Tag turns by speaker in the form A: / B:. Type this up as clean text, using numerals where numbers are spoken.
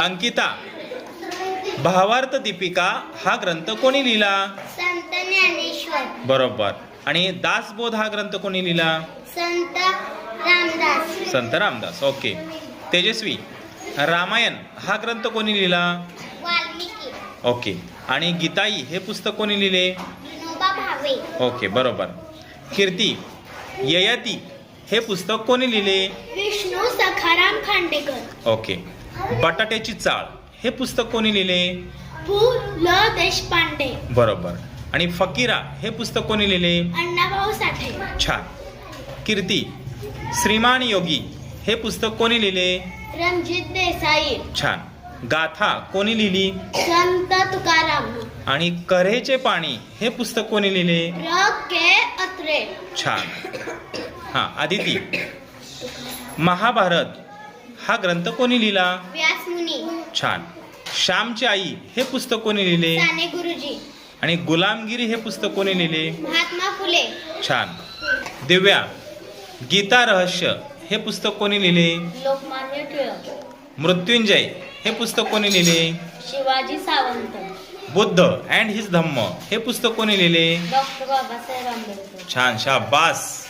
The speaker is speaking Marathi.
A: अंकिता, भावार्थ दीपिका हा ग्रंथ कोणी लिहिला?
B: संत ज्ञानेश्वर.
A: बरोबर. आणि दासबोध हा ग्रंथ कोणी लिहिला?
B: संत रामदास.
A: संत रामदास. ओके. तेजस्वी, रामायण हा ग्रंथ कोणी लिहिला?
B: वाल्मिकी.
A: ओके. आणि गीताई हे पुस्तक कोणी लिहिले?
B: विनोबा भावे.
A: ओके, बरोबर. कीर्ती, ययाती हे पुस्तक कोणी लिहिले?
B: विष्णू सखाराम खांडेकर.
A: ओके. बटाट्याची चाळ हे पुस्तक कोणी लिहिले?
B: पु ल देशपांडे.
A: बरोबर. आणि फकीरा हे पुस्तक कोणी लिहिले?
B: अण्णाभाऊ साठे.
A: छान. कीर्ती, श्रीमान योगी हे पुस्तक कोणी लिहिले?
B: रणजित देसाई.
A: छान. गाथा कोणी लिहिली?
B: संत तुकाराम.
A: आणि कऱ्हेचे पाणी हे पुस्तक कोणी लिहिले?
B: र के अत्रे.
A: छान. हां, आदिती, महाभारत हा ग्रंथ कोणी लिहिला?
B: व्यासमुनी.
A: छान. श्यामची आई हे पुस्तक कोणी लिहिले?
B: साने गुरुजी.
A: आणि गुलामगिरी हे पुस्तक कोणी लिहिले?
B: महात्मा फुले.
A: छान. दिव्या, गीता रहस्य हे पुस्तक कोणी लिहिले?
B: लोकमान्य टिळक.
A: मृत्युंजय हे पुस्तक कोणी लिहिले?
B: शिवाजी सावंत.
A: बुद्ध अँड हिज धम्म हे पुस्तक कोणी लिहिले?
B: डॉक्टर बाबासाहेब आंबेडकर.
A: छान, शाबास.